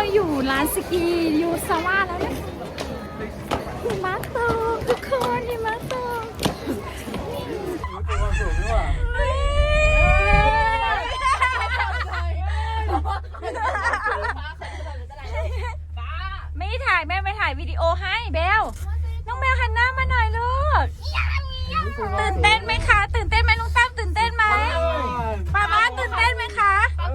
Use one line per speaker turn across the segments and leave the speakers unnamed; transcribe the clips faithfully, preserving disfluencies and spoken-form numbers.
อยู่ร้านสกียูซาว่าแล้วเนี่ยหิมะตกทุกคนหิมะตกไม่ถ่ายแม่ไม่ถ่ายวิดีโอให้เบลน้องเบลหันหน้ามาหน่อยลูกตื่นเต้นไหมคะตื่นเต้นไหมลุงตั้มตื่นเต้นไหมป้าบ้าตื่นเต้นไหมคะ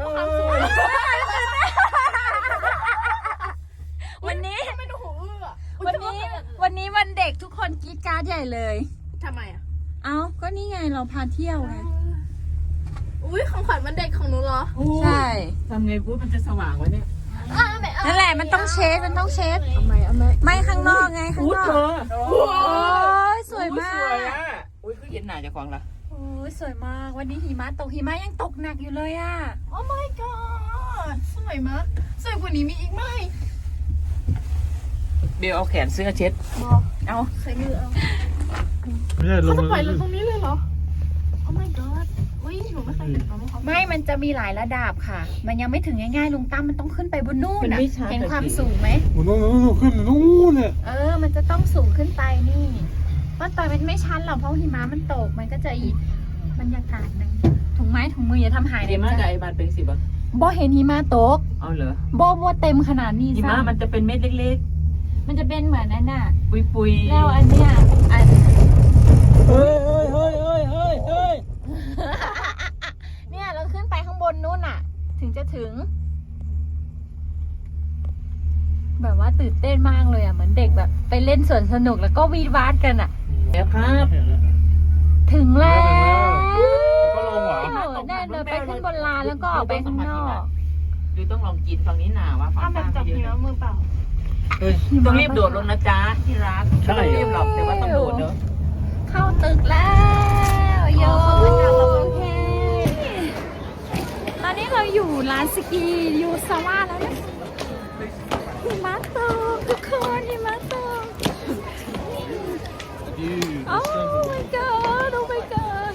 วันนี้วันนี้วันนี้วันเด็กทุกคนกรี๊ดกราดใหญ่เลย
ทำไมอ่ะ
เอ้าก็นี่ไงเราพาเที่ยวไง
อุ้ยของขวัญวันเด็กของหนูเหรอ
ใช่
ทำไงพูดมันจะสว่างวะเนี่ย
นั่นแหละมันต้องเช็ดมันต้องเช็ด
ทำไมเอาไหม
ไม่ข้างนอกไงข้างนอกโอ้ยสวยมาก
สวยอ่ะอุ้ยคือเย็นหนาจะควงละ
โอ้ยสวยมากวันนี้หิมะตกหิมะยังตกหนักอยู่เลยอ่ะ
โอ้ my god สวยมากสวยกว่านี้มีอีกไหม
เบลเอาแขนเสื้อเช็ด
เอาใส่มือเอา
ไม่ใช่ลง
เขาจะปล่อยเราตรงนี้เลยเหรอโอ้ my god อุ้ยหนูไม่เคยเห็นเขาไม่เขา
ไม่มันจะมีหลายระดับค่ะมันยังไม่ถึงง่ายๆลุงตั้มมันต้องขึ้นไปบนนู่นน่ะเห็นความสูงไหม
มันต้องต้องขึ้นนู่นเนี่ย
เออมันจะต้องสูงขึ้นไปนี่ว่าตอนมันไม่ชันหรอกเพราะหิมะมันตกมันก็จะอีกบรรยากาศนึงถุงไม้ถุงมืออย่าทำหายเลย
หิมะกับไอ้บานเป็นสิบอ่ะ
บ่เห็นหิมะตก
เอาเหรอ
บ่บ่เต็มขนาดนี้
หิมะมันจะเป็นเม็ดเล็ก
ๆมันจะเป็นเหมือนนั่นน่ะ
ปุยปุย
แล้วอันเนี้ยอัน
เฮ้ยเฮ้ยเฮ้ยเฮ้ยเฮ้ยเฮ้ย
เนี่ยเราขึ้นไปข้างบนนู้นน่ะถึงจะถึงแบบว่าตื่นเต้นมากเลยอ่ะเหมือนเด็กแบบไปเล่นสวนสนุกแล้วก็วีดวาดกันอ่ะ
แล้วครับ
ถึงแล้ว
ก็ลงเหรอ
แน่เดินไปขึ้นบนลานแล้วก็ออกไปข้างนอก
ดูต้องลองกินฝั่งนี้หนาวะฝั่ง
แบบจับเนื้อมือเปล่า
ต้องรีบโดดลงนะจ๊ะที่รักใช่รีบหลับแต่ว่าต้องโดดเนอะ
เข้าตึกแล้วโยโอเคตอนนี้เราอยู่ร้านสกียูซาว่าแล้วเนี่ยหิมะตกทุกคนหิมะตกโอ้ my god โอ้ my god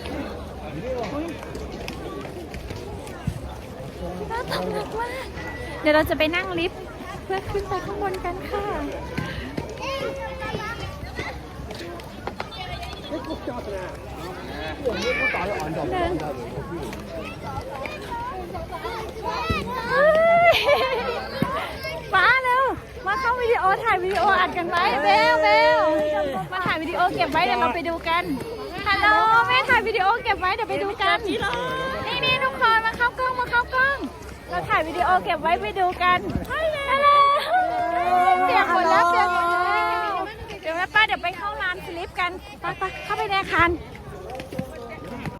น่าตกหนักมากเดี๋ยวเราจะไปนั่งลิฟต์เพื่อขึ้นไปข้างบนกันค่ะเดินฟ้าเร็วมาเข้าวิดีโอถ่ายวิดีโออัดกันไว้เบลเบลมาถ่ายวิดีโอเก็บไว้เดี๋ยวเราไปดูกันฮัลโหลแม่ถ่ายวิดีโอเก็บไว้เดี๋ยวไปดูกันนี่นี่ทุกคนมาเข้ากล้องมาเข้ากล้องเราถ่ายวิดีโอเก็บไว้ไปดูกันฮัลโหลเปียกหมดแล้วเปียกหมดแล้วเดี๋ยวแม่ป้าเดี๋ยวไปเข้าร้านสลิปกันไปไปเข้าไปในอาคาร